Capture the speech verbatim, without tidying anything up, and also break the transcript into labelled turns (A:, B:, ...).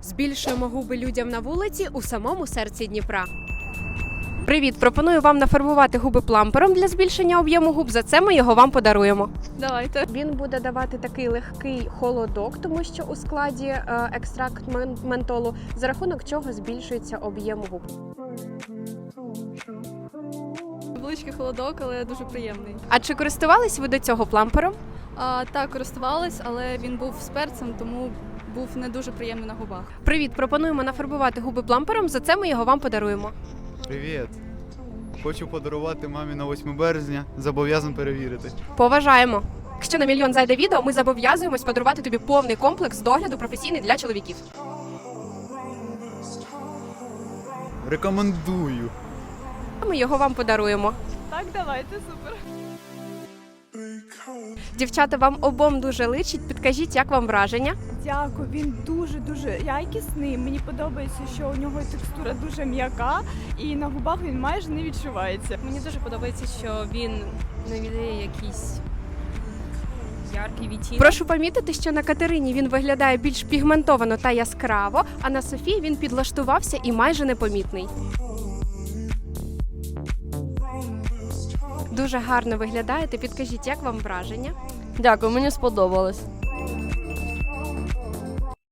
A: Збільшуємо губи людям на вулиці у самому серці Дніпра. Привіт! Пропоную вам нафарбувати губи плампером для збільшення об'єму губ. За це ми його вам подаруємо.
B: Давайте.
A: Він буде давати такий легкий холодок, тому що у складі е, екстракт мен- ментолу, за рахунок чого збільшується об'єм губ.
B: Величкий холодок, але дуже приємний.
A: А чи користувались ви до цього плампером?
B: А, так, користувалась, але він був з перцем, тому був не дуже приємний на губах.
A: Привіт! Пропонуємо нафарбувати губи плампером. За це ми його вам подаруємо.
C: Привіт! Хочу подарувати мамі на восьме березня, зобов'язан перевірити.
A: Поважаємо! Якщо на мільйон зайде відео, ми зобов'язуємось подарувати тобі повний комплекс догляду професійний для чоловіків.
C: Рекомендую!
A: Ми його вам подаруємо.
B: Так, давайте, супер.
A: Дівчата, вам обом дуже личить. Підкажіть, як вам враження?
D: Дякую, він дуже-дуже якісний. Мені подобається, що у нього текстура дуже м'яка і на губах він майже не відчувається.
E: Мені дуже подобається, що він не віддає якийсь яркий відтінок.
A: Прошу помітити, що на Катерині він виглядає більш пігментовано та яскраво, а на Софії він підлаштувався і майже непомітний. Дуже гарно виглядаєте. Підкажіть, як вам враження?
E: Дякую, мені сподобалось.